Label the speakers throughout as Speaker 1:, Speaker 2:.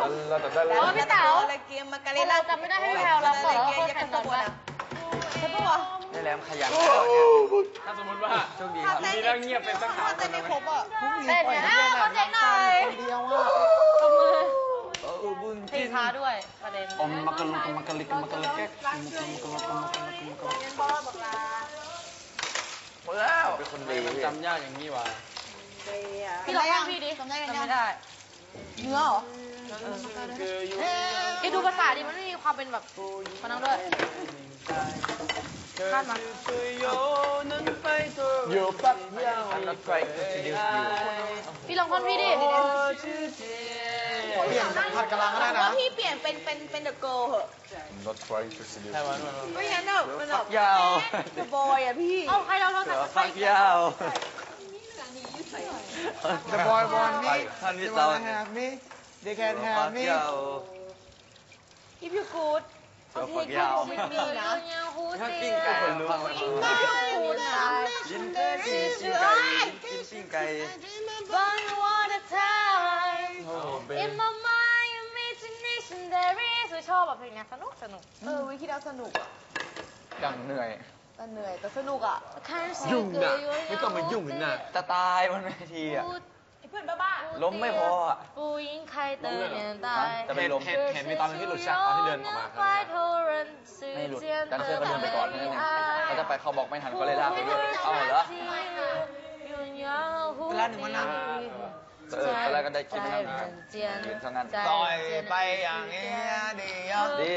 Speaker 1: แล้วพี่เต๋าเราจำไม่ได้ให้แพลวเราก่อนว่าเขาแข่งกันว่าใช่ปะวะ
Speaker 2: ได้แล้วขยันแล้วเนี่ย
Speaker 3: ถ้าสมมติว่า
Speaker 2: โชคดีครับ
Speaker 3: ดีแล้วเงียบเป็นสักพัก
Speaker 1: เต้นไม่ครบอ่ะเต้นเนี่ยเขาเจ๊งหน่อย
Speaker 4: คนเดียวอ่ะ
Speaker 1: ตบมือ
Speaker 2: บุญ
Speaker 1: ตีช้าด้วยประเด็น
Speaker 4: อมมากระลุกมากระลิกมากระลิกแก๊กมากระลุกมากระลุกมากระลุกมากระลุก
Speaker 2: หมดแล้วเป็นคนดี
Speaker 3: มันจำยากอย่างนี้ว่ะ
Speaker 1: พี่ลองฟังพี่ดิจำไม่ได้เนื้อเหรอไอ้ดูภาษาดิมันไม่มีความเป็นแบบมานั่งด้วยคาดมา
Speaker 2: อยู่ปั๊บยาวนัดไฟก็จะยืดอยู่
Speaker 1: พี่ลองท่อนพี่ดิ
Speaker 4: เปลี่ยนผัดกะลังก็ได้นะ
Speaker 1: พี่เปลี่ยนเป็นเดอะเกิร์ลเหอะ
Speaker 5: Not trying to seduce
Speaker 3: ใช่
Speaker 5: you.
Speaker 3: วัน
Speaker 1: ไม่งั้นแบบมันแบบ
Speaker 2: ยาว
Speaker 1: เดอะบอยอ่ะพี่เอาใครเรา
Speaker 2: เสือฟักยาว
Speaker 4: The boy want me
Speaker 2: ท่านพี่
Speaker 4: They
Speaker 2: เตา
Speaker 4: wanna have me They can have me
Speaker 1: if you good
Speaker 2: เสือฟักยาว
Speaker 1: มีนะ
Speaker 2: ถ้าปิ้งไก่คนรู้
Speaker 1: กูนะ
Speaker 2: ยินดีกินปิ้งไก่กินปิ้งไก่
Speaker 1: One water time in my mind imagination there is ชอบแบบเพลงนี้สนุกวิคิดเอาสนุกอ่ะ
Speaker 2: ดังเหนื่อย
Speaker 1: แต่เหนื่อยแต่สนุกอ่ะ
Speaker 4: ยุ่งนะไม่ต้องมายุ่งนะ
Speaker 2: จะตายบนเวทีอ่ะ
Speaker 1: เพื่อนบ้า
Speaker 2: ล้มไม่พออ่ะ จะไปล้ม
Speaker 4: เห็นมีตอนนึงที่หลุดฉากตอนที่เดินออกมาครับ
Speaker 2: ไม่หลุดดันเซอร์ก็เดินไปก่อนนั่นเองเขาจะไปเขาบอกไม่ทันก็เลยลากไปด้วยเอาเหรอ
Speaker 4: เวลาหนึ่งวันนะ
Speaker 2: ตอนแรกก็ได้คิดว่ายืนเท่านั้น
Speaker 4: ปล่อยไปอย่างเงี้ยเดียว
Speaker 2: ดี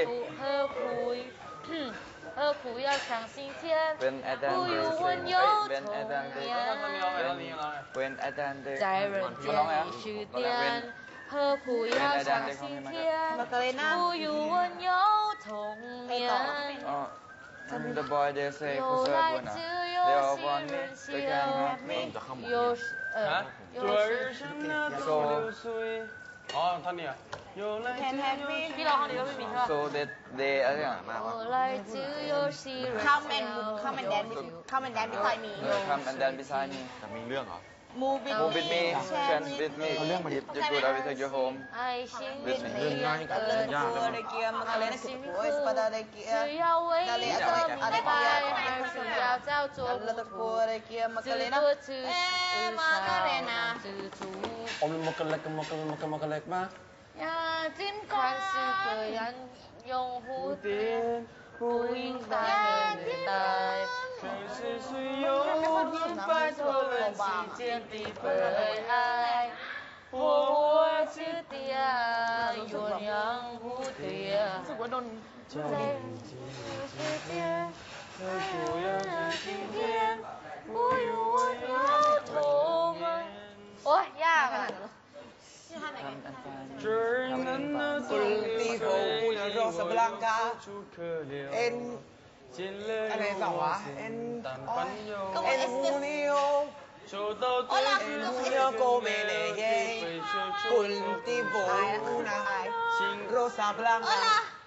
Speaker 1: 何苦要相信天，
Speaker 2: เป็นอาจารย์
Speaker 1: 不
Speaker 2: เด
Speaker 1: 与
Speaker 2: ย์
Speaker 1: 温柔
Speaker 2: เป็นอาจารย์
Speaker 1: 同
Speaker 2: เดย์
Speaker 1: 眠，
Speaker 2: เป็นอาจารย์เดย์
Speaker 1: 在人间已许点，何苦要相信天，不与温柔同眠。
Speaker 2: The boy they say
Speaker 1: 有
Speaker 2: who
Speaker 1: 来
Speaker 2: serve
Speaker 1: 自
Speaker 2: they
Speaker 1: 有
Speaker 2: all
Speaker 1: 心
Speaker 2: want me
Speaker 1: 人
Speaker 2: they can have me
Speaker 1: 有
Speaker 3: 昨日生那冬流水อ๋อท่อนนี้อ่ะ有来自有
Speaker 1: พี่ร้องคนเดียวไม่มีใช่ป่ะ
Speaker 2: so they อะไรอย่างมากวะ
Speaker 1: 有来自有心人
Speaker 6: Come and dance beside me
Speaker 2: Come and dance beside me
Speaker 4: แต่มีเรื่องเหรอ
Speaker 6: Move with
Speaker 2: Move with me Chance with me
Speaker 4: เอาเรื่องมาดิ
Speaker 2: If you good I will take you home
Speaker 1: 爱心
Speaker 2: with me
Speaker 4: เรื่องง่ายกับเรื่องยากเลย
Speaker 1: 辛苦只要为一个明白，而不要叫做不图，自作自受知足。
Speaker 3: อมมกเล็กมกเล็กมาก
Speaker 1: 呀，尽管是个人用蝴蝶，不应在年代。
Speaker 3: 可是谁又摆脱了时间的悲哀？我是的爱，鸳鸯蝴蝶。在世界，不要是今天，不与我有同眠。
Speaker 1: โอ้ยยากอ่ะ
Speaker 3: 这儿能那冬流水里我楚可留，尽了有我心但烦忧。收到对你不要过美丽的飞雪出心
Speaker 4: Rosa Blanca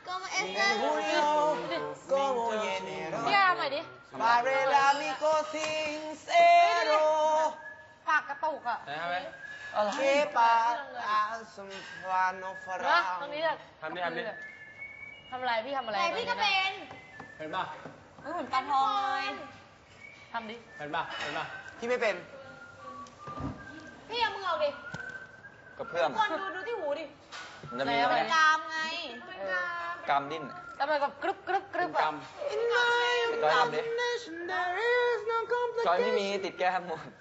Speaker 4: como enero
Speaker 1: พี่อาร์มหน่อยดิ
Speaker 4: Barrela mi sincero
Speaker 1: ปากกระตุกอ่ะ
Speaker 3: ไหนทำไหม
Speaker 4: que pasa un plano
Speaker 1: นะตรงนี้จะ
Speaker 3: ทำดิ
Speaker 1: ทำอะไรพี่ทำอะไร
Speaker 6: แต่พี่ก็เป็น
Speaker 3: เห็นป่ะ
Speaker 6: เหมือนปลาทองเลย
Speaker 1: ทำดิ
Speaker 3: เห็นป่ะ
Speaker 4: พี่ไม่เป็น
Speaker 6: พี่เอามือเอาดิ
Speaker 2: กับเพื่อน
Speaker 6: คนดูที่หูดิ
Speaker 2: มันจะมีไหม
Speaker 6: กรามไง
Speaker 2: กำดิ้น
Speaker 1: แล้วมันแบบกรึบกรึบกรึบ
Speaker 3: กร
Speaker 1: อ่ะ
Speaker 3: รม
Speaker 2: จอยทำดิจอยไม่มีติดแก้มหมด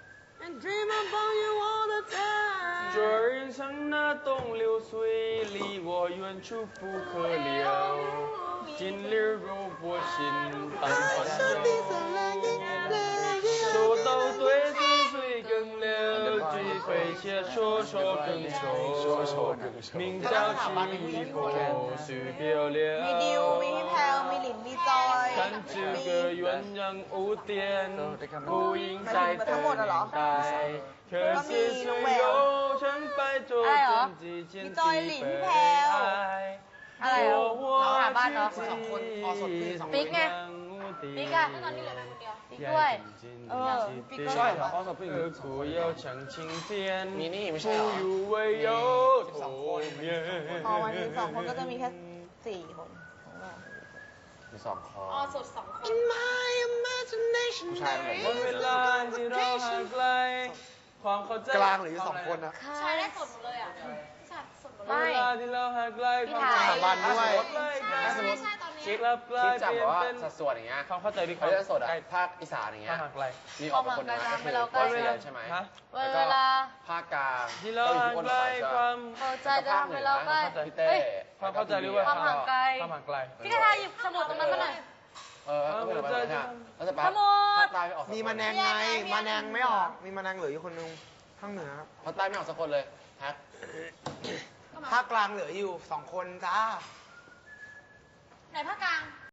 Speaker 3: 这人生那东流水，离我远处不可留。今日如我心淡烦忧，说到对子水更流，只会写说更愁。名叫情意破，须别留。
Speaker 6: มีดิวมีพี่แพลวมีหลินมีจอย
Speaker 3: 看这个鸳鸯蝴蝶，不应在等待。可是谁又曾摆脱自己间的悲哀？
Speaker 1: อะไรอ่ะน้องหาบ้านเนาะ
Speaker 3: ปิ๊กไง
Speaker 1: ปิ๊กอ่ะปิ๊กด้วยปิ๊กก็
Speaker 4: ใช่เหรอ
Speaker 3: 何苦要抢晴天？
Speaker 4: มีนี่ไม่ใช่เหรอ
Speaker 3: 不与唯有同眠。
Speaker 6: พอวันที่2 คนก็จะมีแค่4 คนของเรา
Speaker 2: มีสองคอ
Speaker 6: อ๋อสด2 คน
Speaker 2: ผู้ชายมันแบบ
Speaker 3: วันเวลาที่เราห่างไกลความเข้าใจ
Speaker 4: กลางหรืออยู่2 คนอะ
Speaker 6: ใช้ได้สดหมดเลยอ่ะใช่สดหมดเลย
Speaker 1: ไม่
Speaker 3: เวลาที่เราห่างไกล
Speaker 1: พี่ถ่าย
Speaker 4: สถาบันด้วย
Speaker 2: ถ้าสมมติ
Speaker 6: ใช่ตอนนี้
Speaker 3: คิดแล้วกลาย
Speaker 2: คิดจาก
Speaker 3: เปลี่ย
Speaker 2: แบบ
Speaker 3: น
Speaker 2: ว่า
Speaker 3: เป็น
Speaker 2: สัดส่วนอย่างเงี้ย
Speaker 3: ความเข้าใจที่
Speaker 2: เขาจะสดอะภาคอีสานอย่างเงี้ย
Speaker 3: ห่างไกล
Speaker 2: มีออกเป็นคนน้อยก็คือ
Speaker 1: ความห่างไกล
Speaker 2: เซียนใช่ไหม
Speaker 3: ฮะ
Speaker 2: แล้วก็
Speaker 1: เวลา
Speaker 2: ภาคกลาง
Speaker 3: ที่เรา
Speaker 2: ก็อยู่
Speaker 3: ห่าง
Speaker 2: ที่คน
Speaker 3: ไกล
Speaker 2: ไปใช่
Speaker 3: ค
Speaker 2: ปะ
Speaker 3: วาม
Speaker 1: พอใจจะทำให้เราใกล้
Speaker 2: พี่เต้
Speaker 3: ความเข้าใจหรือว่า
Speaker 1: ความห่างไกล
Speaker 3: ความห่างไกล
Speaker 1: พี่กระทาหยิบสมุดตรงนั้นมาหน่อย
Speaker 2: ก็เป็นแบบนั้นอะแล้วจะไป
Speaker 1: สมุด
Speaker 2: ภาคใต้ไม่ออกสักคน
Speaker 4: มีมาแนงไงมาแนงไม่ออก มีมาแนงเหลืออยู่คนนึงข้างเหนือ
Speaker 2: ภาคใต้ไม่ออกสักคนเลยแฮก
Speaker 4: ภาคกลางเหลืออยู่2 คนจ้า
Speaker 6: ไหนภาคกลาง